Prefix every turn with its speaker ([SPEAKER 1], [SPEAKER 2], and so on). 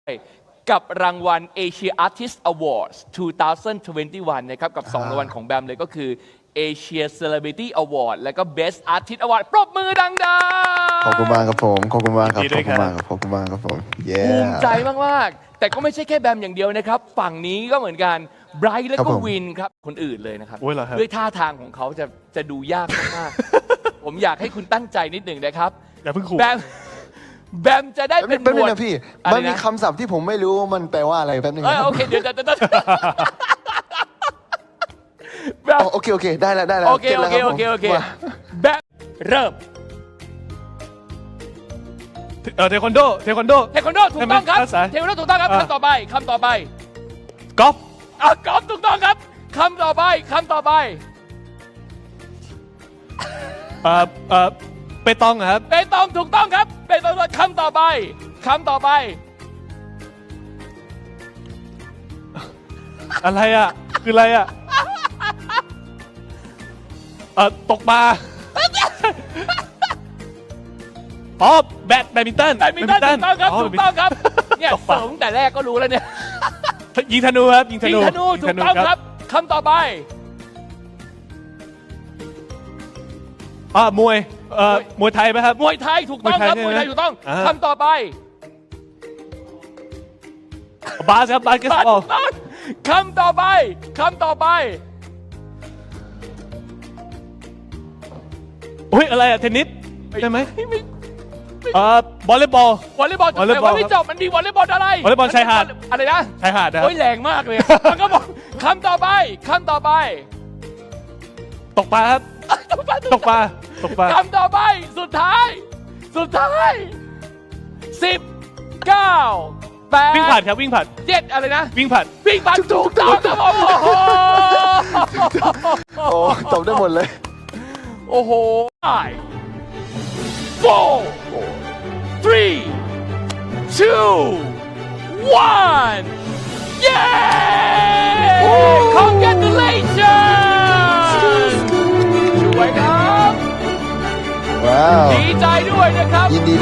[SPEAKER 1] กับรางวัล Asia Artist Awards 2021 นะครับกับ2รางวัลของแบมเลยก็คือ Asia Celebrity Award และก็ Best Artist Award ปรบมือดังๆ
[SPEAKER 2] ขอบคุณมากครับผมขอบคุณมากครับ
[SPEAKER 3] ยินดี
[SPEAKER 2] ข
[SPEAKER 3] ด้
[SPEAKER 2] อ
[SPEAKER 3] ว ยครับ
[SPEAKER 2] บคุณมากครับขอบคุณมากครับผมเย้
[SPEAKER 1] ภูมิใจมากๆ แต่ก็ไม่ใช่แค่แบมอย่างเดียวนะครับ ฝั่งนี้ก็เหมือนกันไบรท์และก็วินครับคนอื่นเลยนะครับ
[SPEAKER 3] โอ้ยเหรอครับ
[SPEAKER 1] ด้วยท่าทางของเขาจะดูยากมากๆ ผมอยากให้คุณตั้งใจนิดหนึ่งนะครับ
[SPEAKER 3] อย่าเพิ่งขู่
[SPEAKER 1] แบมจะได้เป็นห
[SPEAKER 2] แป๊บ
[SPEAKER 1] ม
[SPEAKER 2] นึ
[SPEAKER 1] ว
[SPEAKER 2] ง
[SPEAKER 1] ด
[SPEAKER 2] นะพี่
[SPEAKER 1] อะไรนะ
[SPEAKER 2] มันมีคำศัพท์ที่ผมไม่รู้ว่ามันแปลว่าอะไรแป๊บนึงนะ
[SPEAKER 1] โอเคเดี๋ยวแบม
[SPEAKER 2] อ๋อโอเคได้แล้วได้แล้ว
[SPEAKER 1] โอเค
[SPEAKER 2] ก็ตแล้วรับผม
[SPEAKER 1] แบมเริ่ม
[SPEAKER 3] เทควันโด
[SPEAKER 1] เทควันโดถูกต้องครับ
[SPEAKER 3] ภาษา
[SPEAKER 1] เทควันโดถูกต้องครับ
[SPEAKER 3] อ่า
[SPEAKER 1] คำต่อไป
[SPEAKER 3] กอล์ฟ
[SPEAKER 1] กอล์ฟถูกต้องครับคำต่อไป
[SPEAKER 3] เปตองครับ
[SPEAKER 1] เปตองถูกต้องครับเปตองคำต่อไป
[SPEAKER 3] อะไรอ่ะคืออะไรอ่ะตกปลาอ๋อแบดมินตัน
[SPEAKER 1] แบดมินตันถูกต้องครับ
[SPEAKER 3] อ๋อ
[SPEAKER 1] ถูกต้องครับเนี่ย
[SPEAKER 3] ตกปลา
[SPEAKER 1] เสริมแต่แรกก็รู้แล้วเนี่ย
[SPEAKER 3] ยิงธนูครับยิงธ
[SPEAKER 1] ยิง
[SPEAKER 3] นู
[SPEAKER 1] ธนูถูกต้องครับคำต่อไป
[SPEAKER 3] มวยมวยไทยไหมครับ
[SPEAKER 1] มวยไทยถูกต้องครับม
[SPEAKER 3] ม
[SPEAKER 1] ว
[SPEAKER 3] วย ย
[SPEAKER 1] ไท
[SPEAKER 3] ไท
[SPEAKER 1] ย
[SPEAKER 3] ย
[SPEAKER 1] ถูกต้อง
[SPEAKER 3] อ่า
[SPEAKER 1] คำต่อไป
[SPEAKER 3] บาสครับบาสเกตบอล
[SPEAKER 1] ถูกต้องคำต่อไป
[SPEAKER 3] อุ้ยอะไรอ่ะเทนนิสใช่ไหม
[SPEAKER 1] ไม่
[SPEAKER 3] วอลเลย์บอล
[SPEAKER 1] วอลเลย์บอล
[SPEAKER 3] วอลเลย์
[SPEAKER 1] แต่
[SPEAKER 3] บอล
[SPEAKER 1] ว่าไม่จบมันมีวอลเลย์บอลอะไร
[SPEAKER 3] วอลเลย์บอลชายหาด
[SPEAKER 1] อะไรนะ
[SPEAKER 3] ชายหาดนะครับ
[SPEAKER 1] โอ้ยแรงมากเลยมันก็บอกคำต่อไป
[SPEAKER 3] ตกปลาครับตกปลา
[SPEAKER 1] คำต่อไปสุดท้าย10 9 8
[SPEAKER 3] วิ่งผ่านครับวิ่งผ่าน
[SPEAKER 1] 7อะไรนะ
[SPEAKER 3] วิ่งผ่าน
[SPEAKER 1] วิ่งผ่านถูกต้องครับโอ้โห
[SPEAKER 2] โอ้ตอบได้หมดเลย
[SPEAKER 1] โอ้โห 5 4 3 2 1 เย้ congratulations ช่วยครับ
[SPEAKER 2] ว้าว
[SPEAKER 1] ดีใจด้วยนะครับ
[SPEAKER 2] ยินดี